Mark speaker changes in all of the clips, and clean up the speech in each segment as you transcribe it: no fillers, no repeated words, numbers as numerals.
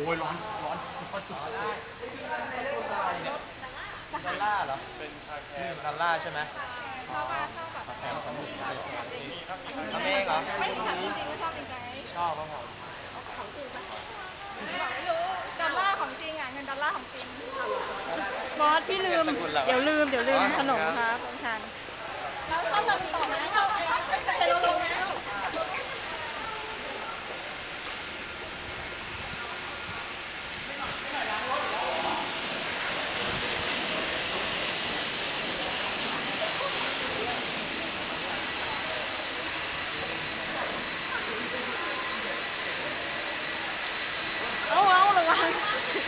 Speaker 1: อ้ยร้อนร้อนดอลล่าเหรอเป็นคาแคร์ดอลล่าใช่ไหมชอบแคร์สมุนไพรทำเองเหรอ
Speaker 2: ไม่ถามจริงๆว่าชอบจริงไหม
Speaker 1: ชอบครับผม
Speaker 2: ของจริงปะไม่รู้ดอลลาร์ของจริงอ่ะเงินดอลลาร์ของจริงบอสพี่ลืมเดี๋ยวลืมขนมครับของฉันแล้วชอบแบบต่อไหมชอบเป็นลงแล้วเอาระวัง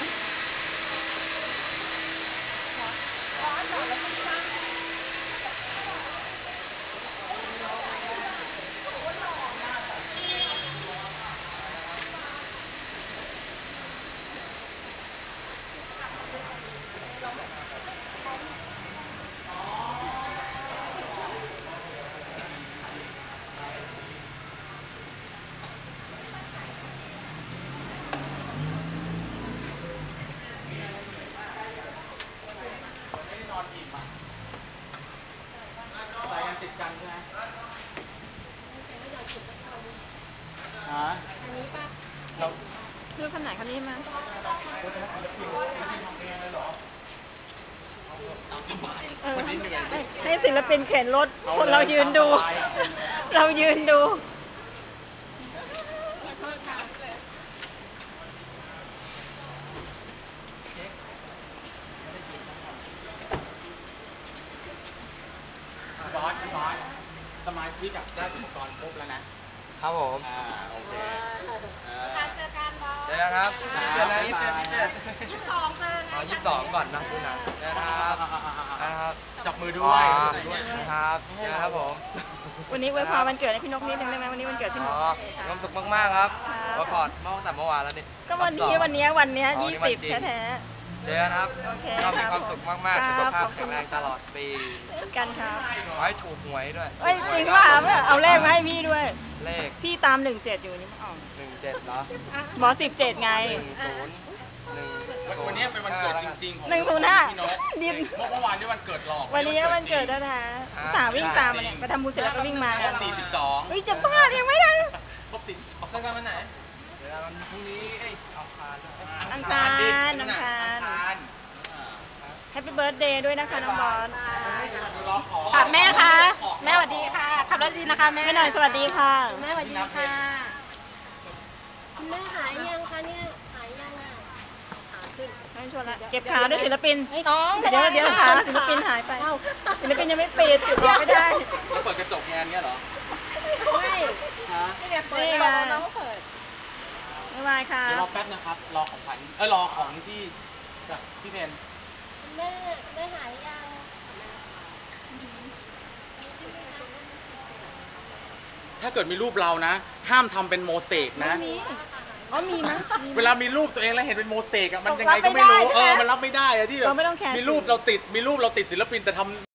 Speaker 1: ติดกันใช่ไหม
Speaker 2: อันนี้ป่ะเราเลือกขนาดคันนี้มา
Speaker 1: วันนี้เหนื่อย
Speaker 2: ให้ศิลปินเข็นรถคนเรายืนดูเรายืนดู
Speaker 1: บอสสมาชิกได้อุปกรณ์ครบแล้วนะครับผมโอเค
Speaker 2: เจอกันบอส
Speaker 1: เจอกันครับเจอกัน27
Speaker 2: 22เจอ
Speaker 1: 22ก่อนนะคุณนะเจอครับจับมือด้วยครับเจอครับผม
Speaker 2: วันนี้อวยพรวันเกิดให้พี่นกนิดนึงได้ไหมวันนี้วันเกิดพี่นก
Speaker 1: มีความสุขมากๆครับอวยพรเมื่อแต่เมื่อวานแล้วนี่
Speaker 2: ก็วันนี้20แท้
Speaker 1: เจอกันครับก็มีความสุขมากๆสุขภาพแข็งแรงตลอดปี
Speaker 2: กันครับ
Speaker 1: ขอให้ถูกหวยด้วย
Speaker 2: จริงว่าเอาเลขมาให้พี่ด้วย
Speaker 1: เลข
Speaker 2: พี่ตาม17อยู่นี่อ๋อ
Speaker 1: 17เหรอ
Speaker 2: หมอ17ไง
Speaker 1: วันนี้เป็นวันเกิดจริงๆของ
Speaker 2: 105
Speaker 1: ดิบเมื่อวานนี่วันเกิดหลอก
Speaker 2: วันนี้วันเกิดแล้วนะสาววิ่งตามมาเนี่ยไปทำบุญเสร็จแล้วก็วิ่งมา
Speaker 1: 42
Speaker 2: เฮ้ยจะบ้ายังไม่ได้
Speaker 1: ครบ42เจอกันวันไหนเจอกันวันพรุ่งนี้
Speaker 2: อังคารแฮปปี้เบิร์ธเดย์ด้วยนะคะน้องบอล
Speaker 3: ค่ะแม่คะแม่สวัสดีค่ะขับรถดีนะคะแม่
Speaker 2: ไม่หน่อยสวัสดีค่ะ
Speaker 3: แม่สวัสดีค่ะคุณแม่หายยังคะเนี่ยหายยังอ่ะขาขึ้น
Speaker 2: ไม่ชวนละเก็บขาด้วยศิลปิน
Speaker 3: น้อง
Speaker 2: เดี๋ยวขาศิลปินหายไปศิลปินยังไม่ปิดติดไม่ได้
Speaker 1: แล้วเปิดกระจกงานเงี้ยเหรอ
Speaker 3: ไม่
Speaker 2: เนี่ยเปิดน้องเปิดไม่ไหวค่ะ
Speaker 1: เดี๋ยวรอแป๊บนะครับรอของขวัญรอของที่จากพี่เพน
Speaker 3: แม่หายยัง
Speaker 1: ถ้าเกิดมีรูปเรานะห้ามทำเป็นโมเสกนะ
Speaker 2: มีมั้ย
Speaker 1: เวลามีรูปตัวเองแล้วเห็นเป็นโมเสกอะมันยังไงก็ไม่รู้มันรับไม่ได้อะที่มีรูปเราติดศิลปินแต่ทำ